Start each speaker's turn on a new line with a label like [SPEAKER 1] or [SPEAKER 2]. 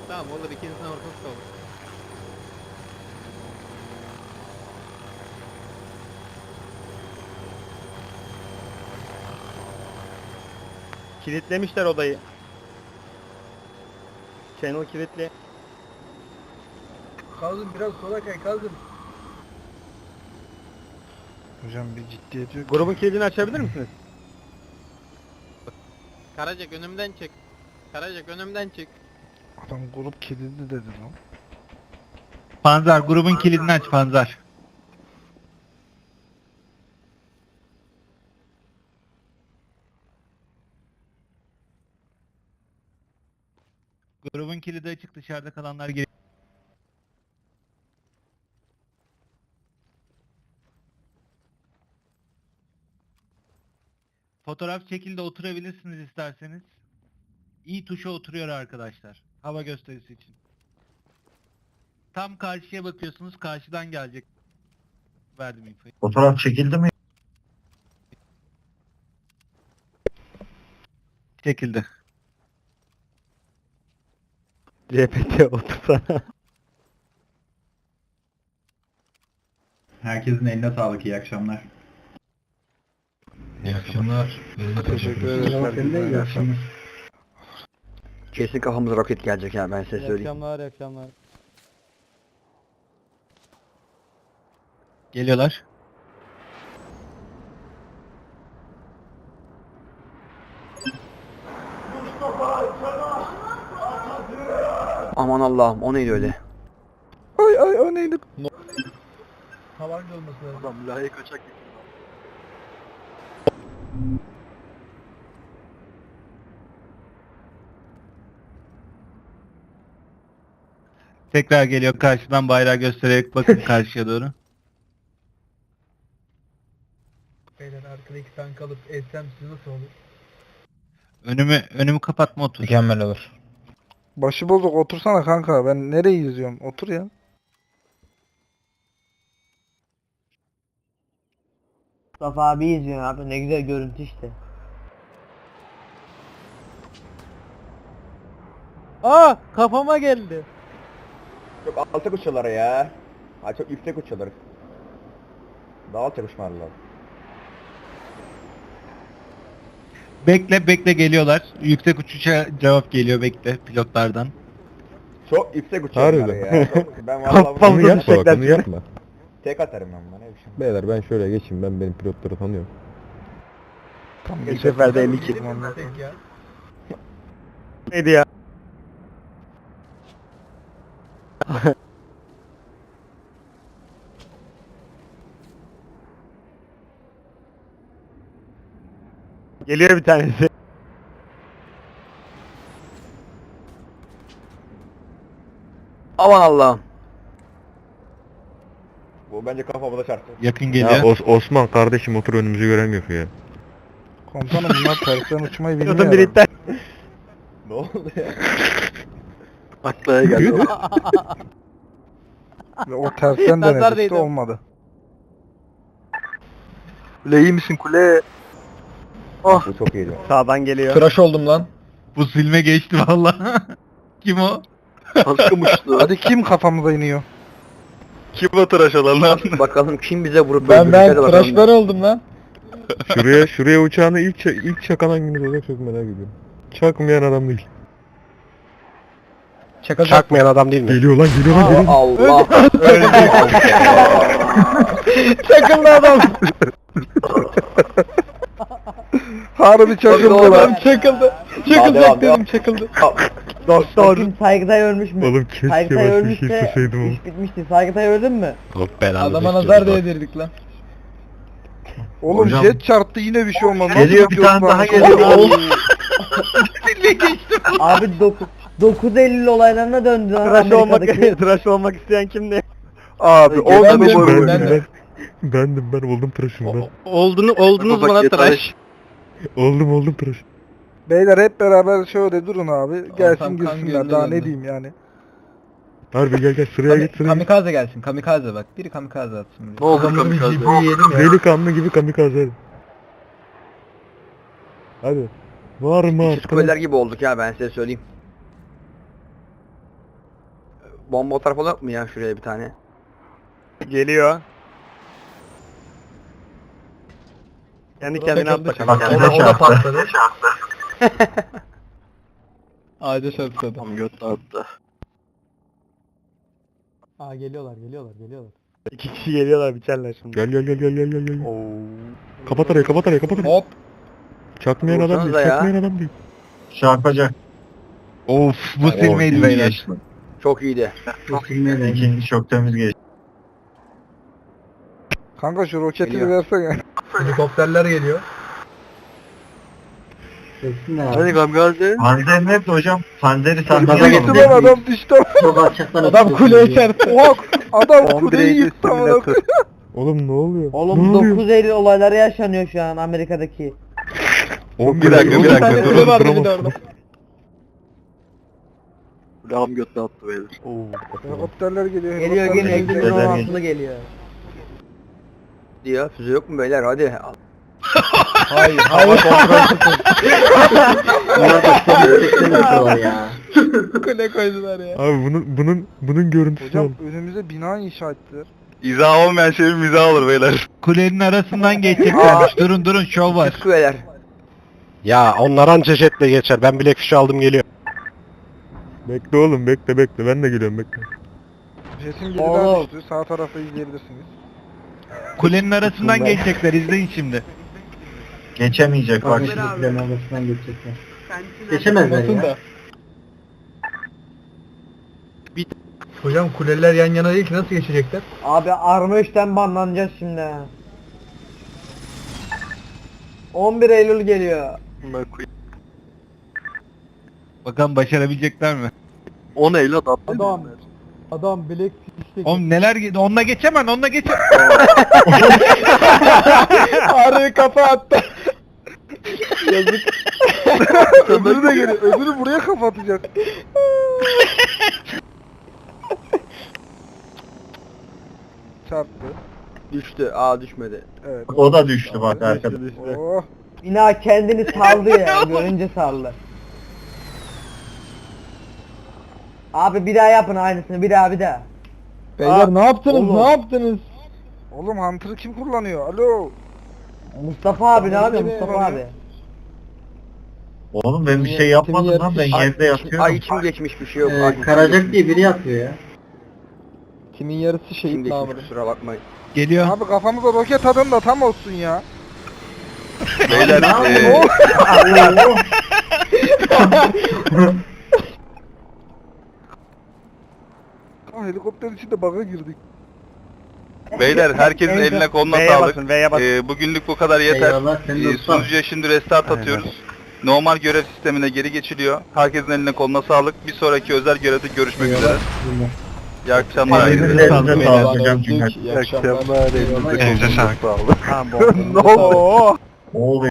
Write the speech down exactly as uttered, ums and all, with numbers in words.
[SPEAKER 1] Tamam olur, ikinizin ortası da olur.
[SPEAKER 2] Kilitlemişler odayı. Channel kilitli.
[SPEAKER 3] Kazım biraz sola kay Kazım.
[SPEAKER 4] Hocam bir ciddiyet yok.
[SPEAKER 2] Grubun kilidini açabilir misiniz?
[SPEAKER 1] Karacak önümden çık. Karacak önümden çık.
[SPEAKER 4] Adam grup kilidi dedi lan.
[SPEAKER 5] Panzer grubun kilidini aç Panzer. Grubun kilidi açık, dışarıda kalanlar geri. Fotoğraf şekilde oturabilirsiniz isterseniz. İyi tuşa oturuyor arkadaşlar. Hava gösterisi için. Tam karşıya bakıyorsunuz, karşıdan gelecek. Verdim infoyu.
[SPEAKER 6] Fotoğraf çekildi mi?
[SPEAKER 5] Şekilde.
[SPEAKER 2] C P T otursana.
[SPEAKER 7] Herkesin eline sağlık, iyi akşamlar.
[SPEAKER 6] İyi akşamlar.
[SPEAKER 4] Teşekkür ederim. İyi akşamlar.
[SPEAKER 8] Kesin kafamıza roket gelecek ya, ben size
[SPEAKER 2] İyi
[SPEAKER 8] söyleyeyim.
[SPEAKER 2] akşamlar, iyi akşamlar.
[SPEAKER 5] Geliyorlar.
[SPEAKER 8] Aman Allah'ım, o neydi öyle?
[SPEAKER 4] Ay ay o neydi?
[SPEAKER 3] Tabanca olması lazım.
[SPEAKER 8] Adam layık kaçak
[SPEAKER 5] Tekrar geliyor, karşıdan bayrağı göstererek bakın karşıya doğru.
[SPEAKER 3] Beyler arkada iki tank alıp etsem siz nasıl olur?
[SPEAKER 5] Önümü önümü kapatma, otur.
[SPEAKER 6] Mükemmel olur.
[SPEAKER 4] Başı bozuk otursana kanka. Ben nereyi izliyorum? Otur ya.
[SPEAKER 9] Mustafa abi izliyor abi, ne güzel görüntü işte.
[SPEAKER 2] Aa, kafama geldi.
[SPEAKER 10] Çok alçak uçuyorlar ya. Ha çok yüksek uçuyorlar. Daha alçak uçmalar lazım.
[SPEAKER 5] Bekle bekle, geliyorlar. Yüksek uçuşa cevap geliyor, bekle pilotlardan.
[SPEAKER 10] Çok yüksek uçuyorlar
[SPEAKER 6] Harbiden.
[SPEAKER 10] ya. Çok, ben vallahi
[SPEAKER 2] Kafamıza
[SPEAKER 10] bunu
[SPEAKER 6] yapma bak,
[SPEAKER 2] düşecekler
[SPEAKER 6] bunu
[SPEAKER 2] şimdi.
[SPEAKER 6] yapma.
[SPEAKER 10] tek atarım ben bana. Ne biçim.
[SPEAKER 6] Beyler ben şöyle geçeyim, ben benim pilotları tanıyorum.
[SPEAKER 4] Tam
[SPEAKER 2] Bir seferde elli iki.
[SPEAKER 3] Tek ya.
[SPEAKER 2] Neydi ya? Geliyor bir tanesi.
[SPEAKER 8] Aman Allah'ım.
[SPEAKER 10] Bu bence kafamıza çarptı.
[SPEAKER 5] Yakın
[SPEAKER 6] Ya
[SPEAKER 5] geliyor.
[SPEAKER 6] Os- Osman kardeşim otur, önümüzü göremiyor ya.
[SPEAKER 4] Komutanım bunlar tersten uçmayı bilmiyor.
[SPEAKER 2] Pilotun biri
[SPEAKER 4] adam.
[SPEAKER 2] iptal.
[SPEAKER 10] Ne oldu ya?
[SPEAKER 8] Aklaya geldi o.
[SPEAKER 4] Ve o tersten
[SPEAKER 2] Nazar
[SPEAKER 4] denedik
[SPEAKER 2] değdi.
[SPEAKER 4] de olmadı. Kule iyi misin kule?
[SPEAKER 10] Bu çok iyiydi.
[SPEAKER 2] Sağdan geliyor.
[SPEAKER 6] Tıraş oldum lan.
[SPEAKER 5] Bu silme geçti valla. Kim o?
[SPEAKER 8] Kaskım uçtu.
[SPEAKER 4] Hadi kim kafamıza iniyor?
[SPEAKER 6] Kim o tıraş olan lan?
[SPEAKER 8] Bakalım kim bize vurup öldürecek, hadi bakalım.
[SPEAKER 6] oldum lan. Şuraya şuraya uçağını ilk ça- ilk çakan hangimiz olacak çok merak ediyorum. Çakmayan adam değil.
[SPEAKER 2] Çakmayan adam değil mi?
[SPEAKER 6] Geliyor lan, geliyor lan, geliyor.
[SPEAKER 8] Allah.
[SPEAKER 2] Çakıldı adam.
[SPEAKER 4] Harbi çakıldı lan.
[SPEAKER 2] Çakıldı.
[SPEAKER 10] Daha devam, devam.
[SPEAKER 2] çakıldı. Doktor.
[SPEAKER 9] Bakayım Saygıtay ölmüş mü?
[SPEAKER 6] Oğlum keşke
[SPEAKER 9] Saygıtay
[SPEAKER 6] başka bir
[SPEAKER 9] ölmüşse
[SPEAKER 6] şey isteseydim oğlum.
[SPEAKER 9] iş bitmişti. Saygıtay öldün mü?
[SPEAKER 6] Çok belanı.
[SPEAKER 7] Adama nazar değdirdik lan.
[SPEAKER 4] Oğlum
[SPEAKER 6] Hocam-
[SPEAKER 4] jet çarptı yine bir şey olmadı.
[SPEAKER 8] Geliyor,
[SPEAKER 4] Nasıl
[SPEAKER 8] bir tane daha
[SPEAKER 4] pilot
[SPEAKER 8] geliyor.
[SPEAKER 4] varmış?
[SPEAKER 9] Abi dokuz dokuz Eylül olaylarına döndü lan
[SPEAKER 2] Tıraş olmak,
[SPEAKER 9] Amerika'daki.
[SPEAKER 2] tıraş olmak isteyen kimdi?
[SPEAKER 4] Abi
[SPEAKER 8] Ben
[SPEAKER 4] olmadı
[SPEAKER 8] de-
[SPEAKER 4] bu
[SPEAKER 6] Bendim
[SPEAKER 4] böyle.
[SPEAKER 6] ben. Bendim ben, oldum tıraşım ben.
[SPEAKER 2] Oldunu, oldunuz
[SPEAKER 8] Bak,
[SPEAKER 2] bana
[SPEAKER 8] yeter.
[SPEAKER 2] tıraş.
[SPEAKER 6] Oldum oldum tıraş.
[SPEAKER 4] Beyler hep beraber şöyle durun abi. Gelsin
[SPEAKER 7] Ortam kan
[SPEAKER 4] girsinler.
[SPEAKER 7] gölüne
[SPEAKER 4] Daha ne
[SPEAKER 7] döndü.
[SPEAKER 4] diyeyim yani.
[SPEAKER 6] Harbi gel gel sıraya
[SPEAKER 7] Kami-
[SPEAKER 6] git sıraya git.
[SPEAKER 7] kamikaze gelsin, kamikaze bak. Biri kamikaze atsın buraya.
[SPEAKER 8] Ne oldu
[SPEAKER 7] Adamın bir
[SPEAKER 8] kamikaze?
[SPEAKER 7] cibiyi yedim ya.
[SPEAKER 6] Delikanlı gibi kamikaze hadi. Hadi. Var mı
[SPEAKER 8] Siz
[SPEAKER 6] artık?
[SPEAKER 8] kuleler gibi olduk ya, ben size söyleyeyim. bomba atar falan yok mu ya şuraya bir tane?
[SPEAKER 2] Geliyor. Kendi kendine at bakalım.
[SPEAKER 3] O da, o da patladı.
[SPEAKER 2] Ağaca çarptı.
[SPEAKER 8] Tam göt attı.
[SPEAKER 3] Aa geliyorlar geliyorlar geliyorlar.
[SPEAKER 2] İki kişi geliyorlar biçerler şimdi.
[SPEAKER 6] Gel gel gel gel gel gel gel.
[SPEAKER 2] Oo.
[SPEAKER 6] Kapat arayı kapat arayı kapat arayı.
[SPEAKER 2] Hop.
[SPEAKER 6] Çakmayan adam değil,
[SPEAKER 8] Vursanıza ya.
[SPEAKER 6] çakmayan adam değil.
[SPEAKER 7] Çarpacak.
[SPEAKER 5] Of bu silmeydi beyler.
[SPEAKER 8] Çok iyiydi.
[SPEAKER 7] Çok silmedi. İkinci çok temiz geçti.
[SPEAKER 4] Kanka şu roketi
[SPEAKER 8] Geliyor.
[SPEAKER 4] versene.
[SPEAKER 3] Helikopterler geliyor.
[SPEAKER 8] Hadi kamikaze.
[SPEAKER 7] Panzer nerede hocam? Panzeri
[SPEAKER 4] Adam
[SPEAKER 7] sandaza
[SPEAKER 4] gitti lan adam düştü.
[SPEAKER 2] Adam kuleye çarptı.
[SPEAKER 4] Oha adam
[SPEAKER 8] on bir
[SPEAKER 4] kuleyi
[SPEAKER 8] Eylül
[SPEAKER 4] yıktı amına
[SPEAKER 8] simülatör.
[SPEAKER 6] Oğlum ne oluyor?
[SPEAKER 9] Oğlum
[SPEAKER 6] ne oluyor?
[SPEAKER 9] dokuz Eylül olayları yaşanıyor şu an Amerika'daki.
[SPEAKER 6] Oğlum,
[SPEAKER 8] Bir dakika, bir
[SPEAKER 6] oğlum,
[SPEAKER 8] dakika,
[SPEAKER 6] durun,
[SPEAKER 2] durun, vardı
[SPEAKER 6] duramazsın.
[SPEAKER 2] bir de orada.
[SPEAKER 8] Kulağım götle attı beyler.
[SPEAKER 4] Helikopterler geliyor.
[SPEAKER 9] Geliyor
[SPEAKER 4] helikopterler
[SPEAKER 9] geliyor.
[SPEAKER 4] geliyor.
[SPEAKER 9] Ekim'in on altılı geliyor.
[SPEAKER 8] Ya füze yok mu beyler hadi.
[SPEAKER 2] Hayır. Hayır. Kule koydular ya.
[SPEAKER 6] Abi bunun bunun bunun görüntüsü
[SPEAKER 4] Hocam
[SPEAKER 6] yok.
[SPEAKER 4] önümüze bina inşa ettiler.
[SPEAKER 8] İzah olmayan şey mizah olur beyler.
[SPEAKER 5] Kulenin arasından geçeceklermiş. Durun durun şov var.
[SPEAKER 8] Sıkı beyler.
[SPEAKER 2] Ya onlar anca jetle geçer. Ben bilek fişi aldım geliyor.
[SPEAKER 6] Bekle oğlum bekle bekle ben de geliyorum bekle.
[SPEAKER 4] Jetin biri
[SPEAKER 9] Oğlum.
[SPEAKER 4] daha düştü. Sağ tarafta izleyebilirsiniz.
[SPEAKER 5] Kulenin arasından geçecekler izleyin şimdi.
[SPEAKER 7] Geçemeyecek bak. Geçemezler ya.
[SPEAKER 3] Hocam kuleler yan yana değil ki nasıl geçecekler?
[SPEAKER 9] Abi Arma üçten banlanacağız şimdi. ha. on bir Eylül geliyor.
[SPEAKER 5] Bakalım başarabilecekler mi?
[SPEAKER 8] on Eylül attı.
[SPEAKER 3] Adam. Adam bilek işte.
[SPEAKER 5] Oğlum neler ge- onunla geçemem onunla geçemem.
[SPEAKER 2] Arayı kafa attı.
[SPEAKER 4] Yazık. öbürü de geliyor. Öbürü buraya kapatacak. Çarptı.
[SPEAKER 8] Düştü. Aa düşmedi.
[SPEAKER 4] Evet.
[SPEAKER 7] O da düştü bak arkada.
[SPEAKER 4] Oh.
[SPEAKER 9] Bina kendini saldı ya. Görünce saldı. Abi bir daha yapın aynısını. Bir daha bir daha.
[SPEAKER 2] Beyler ne yaptınız?
[SPEAKER 9] oğlum.
[SPEAKER 2] Ne yaptınız?
[SPEAKER 4] Oğlum Hunter'ı kim kullanıyor? Alo.
[SPEAKER 9] Mustafa abi ne
[SPEAKER 4] Tamam,
[SPEAKER 9] yapıyor
[SPEAKER 4] kimi
[SPEAKER 9] Mustafa
[SPEAKER 4] var
[SPEAKER 9] abi?
[SPEAKER 7] Oğlum ben bir şey yapmadım lan ben yerde yatıyorum.
[SPEAKER 8] Ay içim geçmiş bir şey yok.
[SPEAKER 7] Ee,
[SPEAKER 8] Ay,
[SPEAKER 7] Karacak diye biri yatıyor ya.
[SPEAKER 2] Kimin yarısı
[SPEAKER 8] içim
[SPEAKER 2] şehit
[SPEAKER 8] geçmiş
[SPEAKER 2] namırı.
[SPEAKER 8] kusura bakmayın.
[SPEAKER 5] Geliyor.
[SPEAKER 4] Abi kafamıza roket atın da tam olsun ya.
[SPEAKER 8] Beyler eee,
[SPEAKER 4] Oh. Aa, helikopterin içinde bug'a girdik.
[SPEAKER 1] Beyler herkesin
[SPEAKER 9] Evet.
[SPEAKER 1] eline koluna
[SPEAKER 2] V'ye
[SPEAKER 1] sağlık.
[SPEAKER 2] basın, V'ye basın.
[SPEAKER 1] Ee, bugünlük bu kadar yeter.
[SPEAKER 7] Eyvallah, sen de
[SPEAKER 1] Ee,
[SPEAKER 7] usta.
[SPEAKER 1] sunucuya şimdi restart atıyoruz. Normal görev sistemine geri geçiliyor. Herkesin eline koluna sağlık. Bir sonraki özel görevde görüşmek üzere. İyi akşamlar.
[SPEAKER 7] Elinize sağlık hocam.
[SPEAKER 2] Öldük. İyi akşamlar.
[SPEAKER 6] Elinize sağlık.
[SPEAKER 2] Ha, bomba.
[SPEAKER 4] Oo.
[SPEAKER 7] Ne oluyor?